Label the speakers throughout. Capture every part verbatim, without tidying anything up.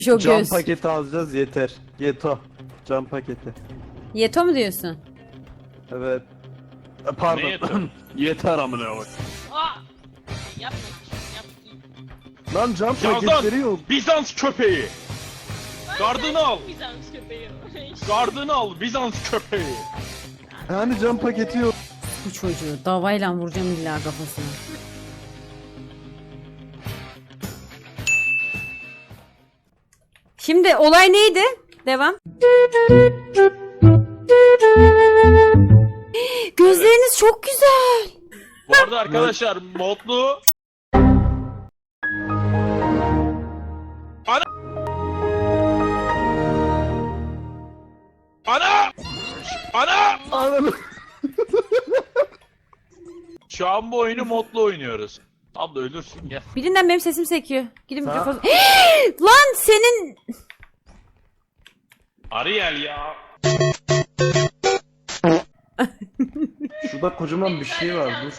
Speaker 1: Çok
Speaker 2: Cam
Speaker 1: göz.
Speaker 2: paketi alacağız yeter. Yeto. Cam paketi.
Speaker 1: Yeto mu diyorsun?
Speaker 2: Evet. E, Pardon.
Speaker 3: Ne yeto?
Speaker 2: Yeter amına koy.
Speaker 4: Aa! Yapma. Yap.
Speaker 2: Lan cam
Speaker 3: Yazan
Speaker 2: paketleri yok.
Speaker 3: Bizans köpeği. Gardını al.
Speaker 4: Bizans köpeği.
Speaker 3: Gardını al Bizans köpeği.
Speaker 2: Yani cam paketi yok.
Speaker 1: Bu çocuğu davayla vuracağım illa kafasına. Şimdi olay neydi? Devam. Gözleriniz çok güzel.
Speaker 3: Bu arada arkadaşlar modlu. Ana. Ana. Ana.
Speaker 2: Ananı.
Speaker 3: Şu an bu oyunu modlu oynuyoruz. Abla ölürsün ya.
Speaker 1: Birinden benim sesim sekiyor. Gidin
Speaker 2: Sa-
Speaker 1: mikrofonu. Lan senin...
Speaker 3: Ariel ya.
Speaker 2: Şurada kocaman bir şey var. Dur.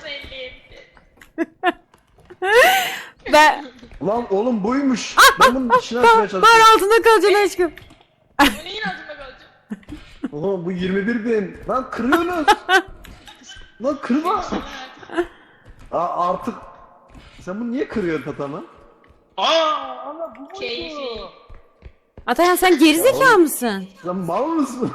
Speaker 1: Ben...
Speaker 2: Lan oğlum buymuş. Ben bunun içine açmaya
Speaker 1: Bar
Speaker 2: çalışıyorum.
Speaker 1: altında kalacaksın aşkım.
Speaker 4: Bu neyin altında kalacak?
Speaker 2: Oğlum bu yirmi bir bin. Lan kırıyorsunuz. Lan kırma. Aa, artık. Sen bunu niye kırıyorsun tatama?
Speaker 3: Aa.
Speaker 4: Keyfi.
Speaker 1: Atayan sen gerizekalı mısın?
Speaker 2: Sen mal mısın?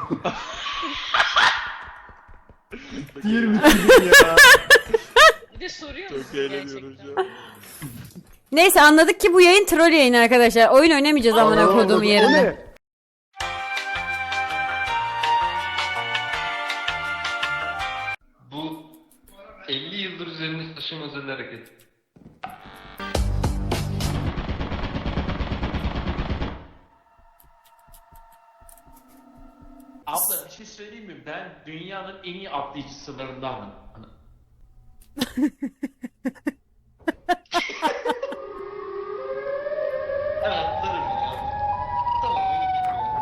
Speaker 2: yirmi iki bin ya.
Speaker 4: Bir de soruyor
Speaker 3: Çok
Speaker 4: musun
Speaker 3: eğleniyoruz
Speaker 4: gerçekten?
Speaker 3: ya.
Speaker 1: Neyse anladık ki bu yayın troll yayını arkadaşlar. Oyun oynamayacağız amına
Speaker 2: Aa,
Speaker 1: koduğum
Speaker 2: o
Speaker 1: yerine.
Speaker 2: ne?
Speaker 5: Bu elli yıldır üzerinde taşıyan özel hareket.
Speaker 3: Abla bir şey söyleyeyim mi? Ben dünyanın en iyi atlayıcısılarındanım.
Speaker 5: Ben atlarım ya. Tamam öyle gidiyor.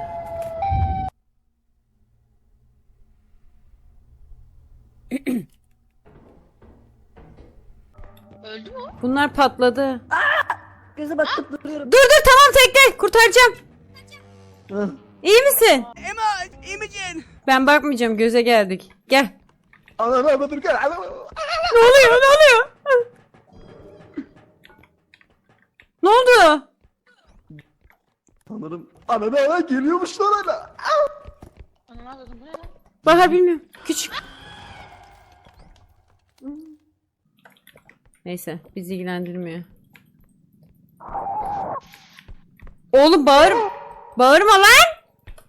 Speaker 4: Öldü mü o?
Speaker 1: Bunlar patladı.
Speaker 6: Göze bakıp duruyorum.
Speaker 1: Dur dur tamam tekle kurtaracağım.
Speaker 2: Hı.
Speaker 1: İyi misin?
Speaker 6: Emma, iyi misin?
Speaker 1: Ben bakmayacağım göze geldik. Gel.
Speaker 2: Ana ana dur gel. Ana.
Speaker 1: Ne oluyor ne oluyor? Ne oldu?
Speaker 2: Sanırım ana ana geliyormuş lan ana.
Speaker 4: Ana ne yapıyordun? Bu ne lan?
Speaker 1: Bahar bilmiyorum. Küçük. Neyse bizi ilgilendirmiyor. Oğlum bağır. Bağırma lan.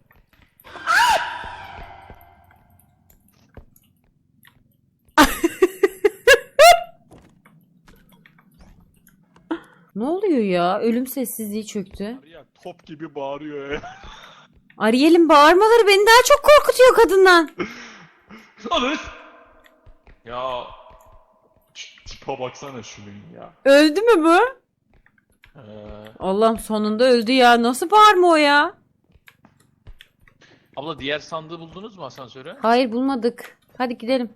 Speaker 1: Ne oluyor ya? Ölüm sessizliği çöktü.
Speaker 3: Ya top gibi bağırıyor ya.
Speaker 1: Ariel'in bağırmaları beni daha çok korkutuyor kadından.
Speaker 3: Alır. Ya şu tipe baksana şunun ya.
Speaker 1: Öldü mü bu?
Speaker 3: Ee,
Speaker 1: Allah'ım sonunda öldü ya. Nasıl bağırma o ya?
Speaker 3: abla diğer sandığı buldunuz mu asansöre?
Speaker 1: Hayır bulmadık. Hadi gidelim.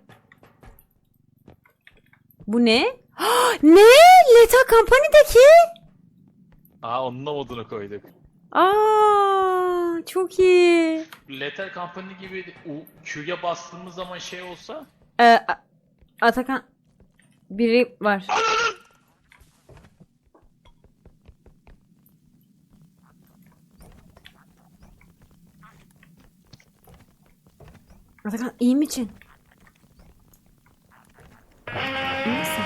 Speaker 1: Bu ne? Ne? Leta Company'deki?
Speaker 3: Aa onun da modunu koyduk.
Speaker 1: Aa, çok iyi.
Speaker 3: Lethal Company gibi U- Q'ya bastığımız zaman şey olsa.
Speaker 1: Ee, A- Atakan biri var. Atakan iyi misin? İyi misin?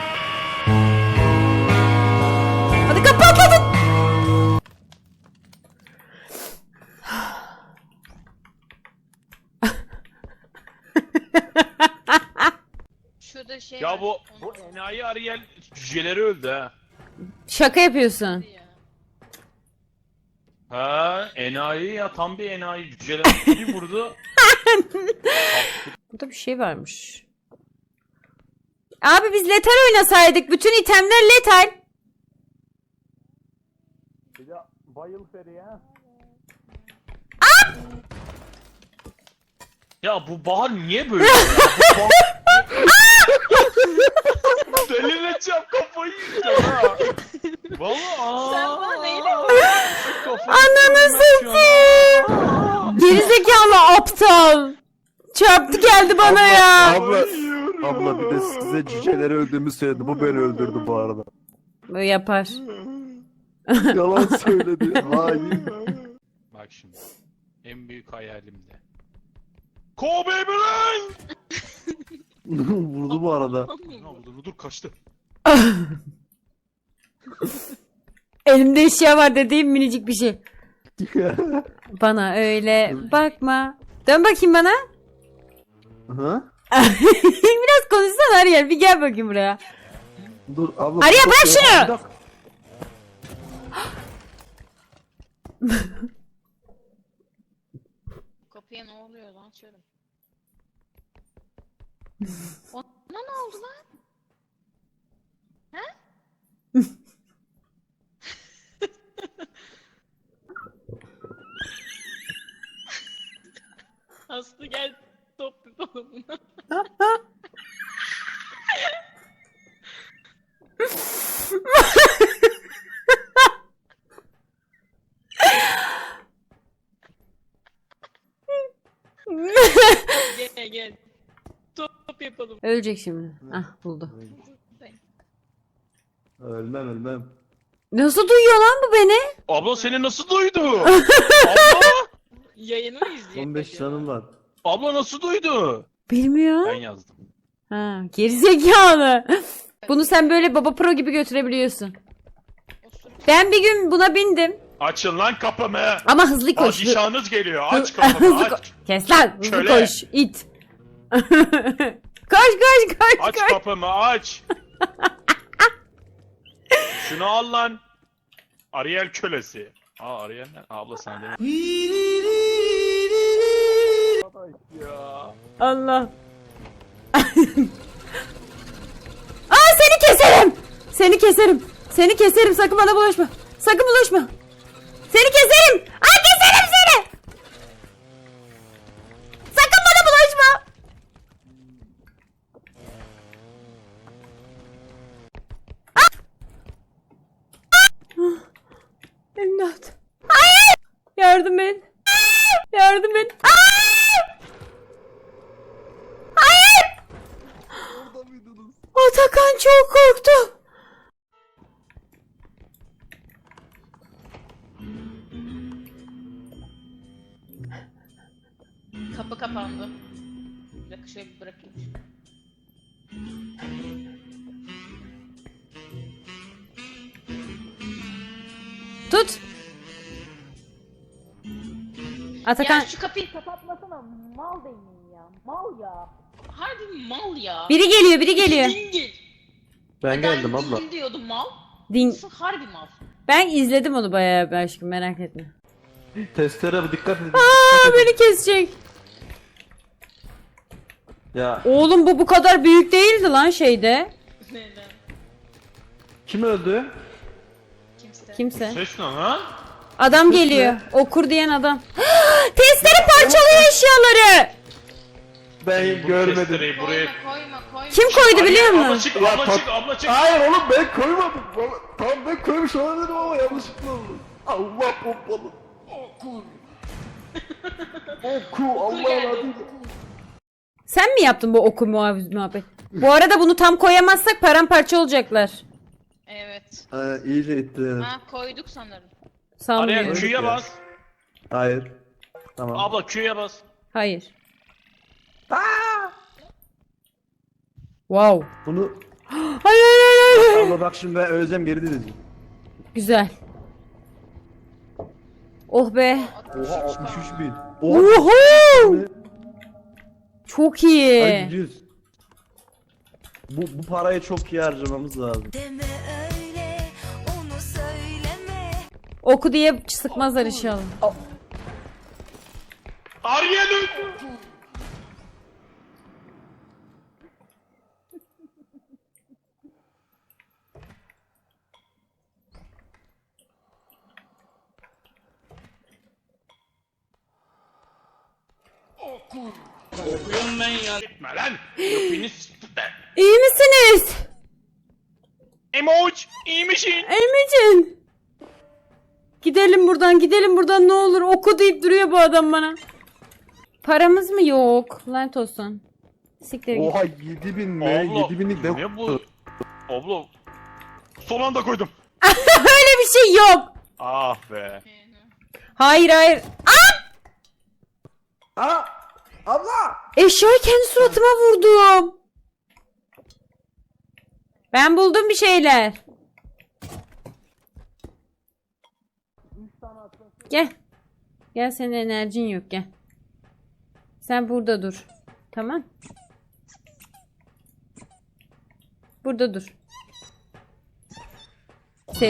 Speaker 1: Hadi kapatladın.
Speaker 4: Şurada şey
Speaker 3: Ya
Speaker 4: var,
Speaker 3: bu
Speaker 4: onu
Speaker 3: bu
Speaker 4: sor.
Speaker 3: enayi Ariel cüceleri öldü ha.
Speaker 1: Şaka yapıyorsun.
Speaker 4: Ya.
Speaker 3: Ha enayi ya tam bir enayi cüceler bir vurdu.
Speaker 1: Burada bir şey varmış. Abi biz letal oynasaydık. Bütün itemler letal.
Speaker 2: Bayıl Feriye.
Speaker 3: Ya bu Bahar niye böyle? ya? Bu Bahar- Delireceğim, kafayı yiyeceğim ha. Valla aa.
Speaker 4: Sen bana neyle
Speaker 3: Kafayı
Speaker 1: Ananı
Speaker 3: yiyeceğim
Speaker 1: satayım. Gerizekalı aptal. Çarptı geldi bana ya.
Speaker 2: Abla, abla bir de size cüceleri öldüğümü söyledi. Bu beni öldürdü bu arada.
Speaker 1: Bu yapar.
Speaker 2: Yalan söyledi. Hain.
Speaker 3: Bak şimdi. En büyük hayalimde. Kobe Bryant!
Speaker 2: Vurdu bu arada.
Speaker 3: Ne oldu? Dur kaçtı.
Speaker 1: Elimde eşya var dediğim minicik bir şey. Bana öyle bakma. Dön bakayım bana.
Speaker 2: Hı?
Speaker 1: Biraz konuşsana Ariel. Bir gel bakayım buraya.
Speaker 2: Dur abla.
Speaker 1: Arya,
Speaker 2: dur,
Speaker 1: bırak
Speaker 2: dur,
Speaker 1: şunu!
Speaker 2: bir dakika.
Speaker 4: Kapıya ne oluyor lan açıyorum. Ona ne oldu lan? He? Aslı gel top bir balonuna. Gel gel. Top yapalım.
Speaker 1: Ölecek şimdi. Ah buldu.
Speaker 2: Ölmem ölmem.
Speaker 1: Nasıl duyuyor lan bu beni?
Speaker 3: Abla seni nasıl duydu? Abla!
Speaker 4: Yayını mı izliyor?
Speaker 2: on beş canım var.
Speaker 3: Abla nasıl duydu?
Speaker 1: Bilmiyor.
Speaker 3: Ben yazdım.
Speaker 1: Ha, gerizekalı. Bunu sen böyle baba pro gibi götürebiliyorsun. Ben bir gün buna bindim.
Speaker 3: Açın lan kapımı.
Speaker 1: Ama hızlı koş.
Speaker 3: Padişahınız geliyor. Aç
Speaker 1: Hı-
Speaker 3: kapımı
Speaker 1: hızlı
Speaker 3: aç.
Speaker 1: ko- Kes lan hızlı
Speaker 3: Köle.
Speaker 1: koş it. Koş koş koş
Speaker 3: Aç
Speaker 1: koş.
Speaker 3: kapımı aç. Şunu al lan. Ariel kölesi. Aa Ariel ne? Abla sana demek. Ya.
Speaker 1: Allah. Aa seni keserim. Seni keserim. Seni keserim sakın bana bulaşma. Sakın bulaşma. Seni keserim. Aa keserim seni. Sakın bana bulaşma. İmdat. Hayır. Yardım et. Yardım et. Hayır. Hayır. Atakan çok korktu.
Speaker 4: Kapı kapandı. Bir dakika şöyle bir bırakayım.
Speaker 1: Tut. Atakan.
Speaker 4: Ya şu kapıyı kapatmasana mal değilim ya. Mal ya. Harbi mal ya.
Speaker 1: Biri geliyor, biri geliyor.
Speaker 4: Dingil.
Speaker 2: Ben geldim
Speaker 4: Ben
Speaker 2: abla.
Speaker 4: dingil diyordum mal.
Speaker 1: Din.
Speaker 4: Nasıl harbi mal.
Speaker 1: Ben izledim onu bayağı bir aşkım merak etme.
Speaker 2: Testere dikkat edin.
Speaker 1: Aa beni kesecek.
Speaker 2: Ya
Speaker 1: Oğlum bu bu kadar büyük değildi lan şeyde.
Speaker 4: Neden?
Speaker 2: kim öldü?
Speaker 4: Kimse.
Speaker 1: Kimse.
Speaker 3: Ses ne lan?
Speaker 1: Adam geliyor. Okur diyen adam. Testere parçalıyor eşyaları.
Speaker 2: Ben
Speaker 3: Bu
Speaker 2: görmedim.
Speaker 3: testereyi buraya...
Speaker 4: Koyma koyma koyma.
Speaker 1: Kim koydu biliyor
Speaker 3: Abla
Speaker 1: musun?
Speaker 3: çık,
Speaker 2: Ya
Speaker 3: abla
Speaker 2: pat-
Speaker 3: çık, abla çık.
Speaker 2: Hayır oğlum ben koymadım. Vallahi- Tamam ben koymuş olabilirim ama yanlışlıkla oldu. Allah pompalı. Oku. Oku Allah
Speaker 4: geldi,
Speaker 2: adıyla.
Speaker 1: Sen mi yaptın bu oku muhabbet? muhabbet? Bu arada bunu tam koyamazsak paramparça olacaklar.
Speaker 4: Evet.
Speaker 2: Ha, iyice ittiler.
Speaker 4: Ha koyduk sanırım.
Speaker 3: Ariel
Speaker 1: Sanmıyorum.
Speaker 3: Q'ya bas.
Speaker 2: Hayır. Tamam.
Speaker 3: Abla Q'ya bas.
Speaker 1: Hayır. Wow.
Speaker 2: Bunu
Speaker 1: Hayır hayır hayır, hayır.
Speaker 2: abla bak şimdi ben öleceğim geri döneceğim.
Speaker 1: Güzel. Oh be.
Speaker 2: Oha altmış üç bin. Oha.
Speaker 1: Oho! Çok
Speaker 2: Ay
Speaker 1: iyi.
Speaker 2: yüz. Bu, bu parayı çok iyi harcamamız lazım.
Speaker 7: Deme öyle, onu söyleme.
Speaker 1: Oku diye sıkmazlar inşallah.
Speaker 3: Ariel öldü. Okuyorum ben ya. Gitme lan. Öpünü s**t.
Speaker 1: İyi misiniz?
Speaker 3: Emoç, iyi misin?
Speaker 1: Emicin. Gidelim buradan, gidelim buradan ne olur. Oku deyip duruyor bu adam bana. Paramız mı yok? Lanet olsun. Siktir git.
Speaker 2: Oha yedi bin mi?
Speaker 3: Abla,
Speaker 2: yedi binlik ne?
Speaker 3: ne bu? Abla, son anda koydum.
Speaker 1: Öyle bir şey yok.
Speaker 3: Ah be.
Speaker 1: Hayır hayır.
Speaker 2: Aa! Abla!
Speaker 1: Eşyayı kendi suratıma vurdum. Ben buldum bir şeyler. Gel. Gel, senin enerjin yok, gel. Sen burada dur. Tamam. Burada dur. Sev.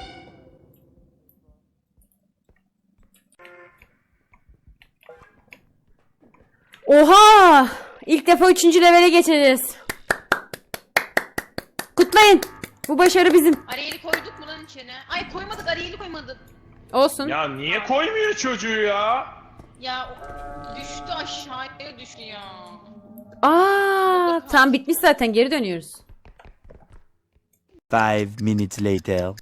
Speaker 1: Oha! İlk defa üçüncü levele geçeceğiz. Kutlayın. Bu başarı bizim.
Speaker 4: Ariyeli koyduk mu lan içine? Ay koymadık, Ariyeli koymadık.
Speaker 1: Olsun.
Speaker 3: Ya niye koymuyor çocuğu ya?
Speaker 4: Ya o- düştü aşağıya düştü ya.
Speaker 1: Aa, tam bitmiş zaten, geri dönüyoruz.
Speaker 8: Five minutes later.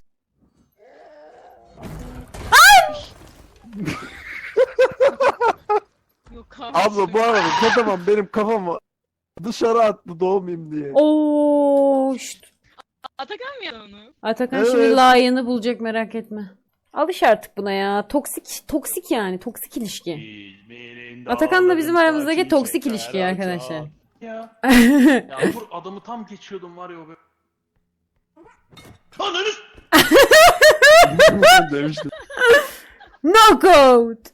Speaker 4: Yok abi.
Speaker 2: Abla bu arada kocaman benim kafama dışarı attı doğmayayım diye.
Speaker 1: Oo, şşt.
Speaker 4: Atakan mı ya onu?
Speaker 1: Atakan
Speaker 2: Evet.
Speaker 1: şimdi layığını bulacak, merak etme. Alış artık buna ya. Toksik, toksik yani. Toksik ilişki. Atakan'la bizim aramızdaki toksik ilişki arkadaşlar.
Speaker 3: Ya. Ya dur, adamı tam geçiyordum var ya o böyle. Ananı
Speaker 2: Demiştim.
Speaker 1: Knockout.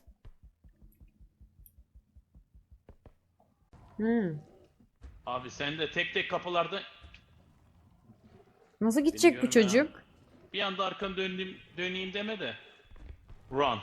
Speaker 1: Hmm.
Speaker 3: Abi sen de tek tek kapılarda
Speaker 1: Nasıl gidecek bu
Speaker 3: Bilmiyorum
Speaker 1: çocuk?
Speaker 3: bir anda arkanı döneyim, döneyim deme de. Run.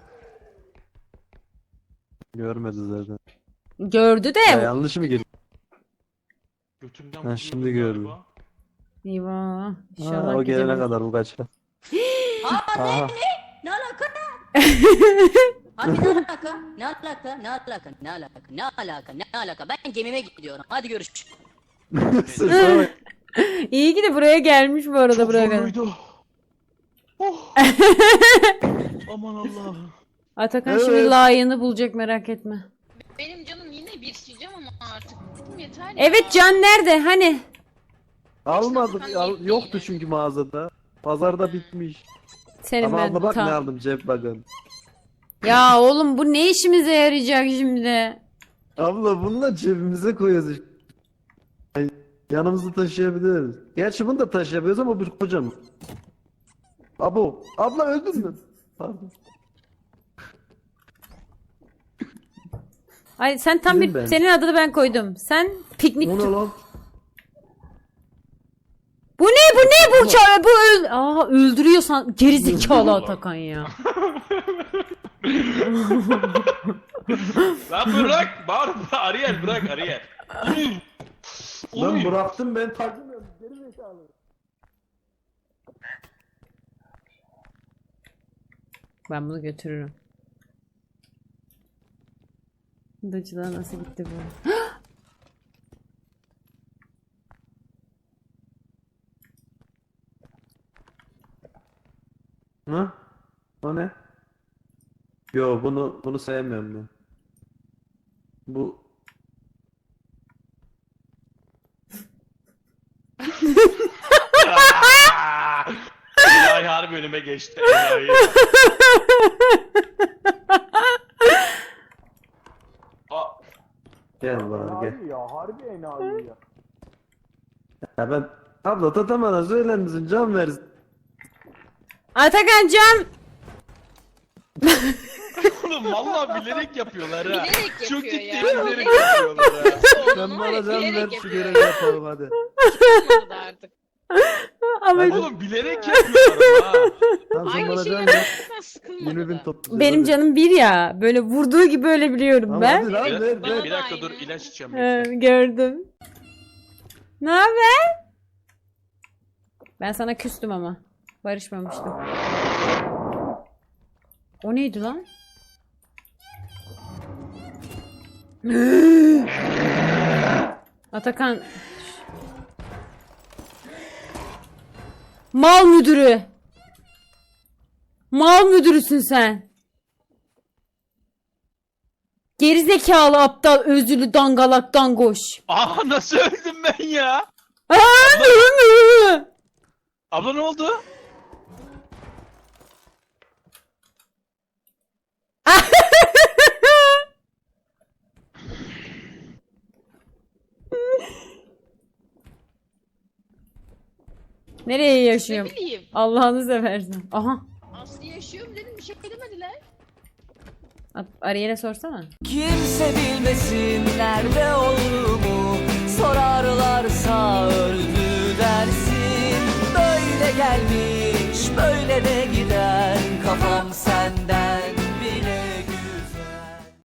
Speaker 2: Görmedi zaten.
Speaker 1: Gördü de.
Speaker 2: Ya yanlış mı girdi?
Speaker 3: Götümden
Speaker 2: Ha,
Speaker 3: vuruyordum
Speaker 2: şimdi gördüm.
Speaker 3: galiba.
Speaker 1: Eyvah.
Speaker 2: Ha,
Speaker 1: İnşallah
Speaker 2: o gelene
Speaker 1: gidemez.
Speaker 2: kadar bu kaçar. Aha.
Speaker 6: Ne alaka? Hadi ne alaka? Ne alaka? Ne alaka? Ne alaka? Ne alaka? Ne alaka? Ben gemime gidiyorum. Hadi görüşürüz.
Speaker 2: Sesine bak.
Speaker 1: İyi ki de buraya gelmiş bu arada,
Speaker 3: Çok
Speaker 1: buraya kadar.
Speaker 3: zorluydu. Oh. Aman Allah'ım.
Speaker 1: Atakan
Speaker 2: Evet.
Speaker 1: şimdi layığını bulacak, merak etme.
Speaker 4: Benim canım yine bir sileceğim ama artık. Yeter ya.
Speaker 1: Evet, Can nerede? Hani?
Speaker 2: Almadık. Al, yoktu çünkü mağazada. Pazarda bitmiş.
Speaker 1: Senin
Speaker 2: Ama
Speaker 1: ben
Speaker 2: abla bak
Speaker 1: tam-
Speaker 2: ne aldım cep bakın.
Speaker 1: Ya oğlum, bu ne işimize yarayacak şimdi?
Speaker 2: Abla bunu da cebimize koyuyoruz işte. Yani yanımızda taşıyabiliriz. Gerçi bunu da taşıyabiliyoruz ama bir kocaman. Abo. Abla öldün mü? Pardon.
Speaker 1: Ay sen tam
Speaker 2: Bizim
Speaker 1: bir
Speaker 2: ben.
Speaker 1: senin adını ben koydum. Sen piknik.
Speaker 2: Bu ne lan?
Speaker 1: Bu ne? Bu ne? Bu ça- bu öl Aa, öldürüyorsan geri zekalı Atakan ya.
Speaker 3: Lan bırak. Bağır. Ariel bırak Ariel.
Speaker 2: Lan bıraktım ben takmıyorum. Geri zekalı.
Speaker 1: Ben bunu götürürüm. Dacılar nasıl gitti bu?
Speaker 2: Ha? O ne? Yo bunu bunu sevmiyorum ben. Bu
Speaker 3: Enayi harbi önüme geçti. Enayi. Aa,
Speaker 2: gel bana gel. Ya harbi enayi ya. Ya ben abla tatamana söyler misin can versin.
Speaker 1: Atakan Can.
Speaker 3: oğlum vallahi bilerek yapıyorlar ha.
Speaker 4: Bilerek
Speaker 3: Çok
Speaker 4: yapıyor
Speaker 3: ciddi
Speaker 4: ya.
Speaker 3: bilerek yapıyorlar ha.
Speaker 2: Sen bana can
Speaker 4: bilerek
Speaker 2: ver şu
Speaker 4: yapıyor
Speaker 2: görevi
Speaker 4: ya.
Speaker 2: yapalım hadi.
Speaker 4: Olmadı artık.
Speaker 1: Ama
Speaker 3: Oğlum bilerek yapıyorlar ha.
Speaker 2: Tamam sen
Speaker 4: Aynı
Speaker 2: bana
Speaker 4: şeyi
Speaker 2: can ver.
Speaker 4: yapmaktan sıkılmadı
Speaker 2: yirmi bin
Speaker 4: da.
Speaker 2: toplayacağız.
Speaker 1: benim
Speaker 2: hadi.
Speaker 1: canım bir ya. Böyle vurduğu gibi öyle biliyorum
Speaker 2: Tamam,
Speaker 1: ben.
Speaker 2: hadi lan
Speaker 3: Bir,
Speaker 2: ver
Speaker 3: bir,
Speaker 2: ver.
Speaker 3: bir dakika dur ilaç içeceğim.
Speaker 1: Ee, gördüm. Ne haber? Ben sana küstüm ama. Barışmamıştım. O neydi lan? Atakan. Mal müdürü. Mal müdürüsün sen. Gerizekalı aptal özürlü dangalak dangoş.
Speaker 3: Aa nasıl öldüm ben ya?
Speaker 1: Aa,
Speaker 3: Abla ne oldu?
Speaker 1: Nereye
Speaker 8: Ne
Speaker 1: yaşıyorum?
Speaker 8: bileyim.
Speaker 1: Allah'ını seversen. Aha.
Speaker 8: Aslı yaşıyorum dedim bir şey demediler.
Speaker 1: Ariel'e sorsana.
Speaker 9: Kimse bilmesin nerede olduğunu.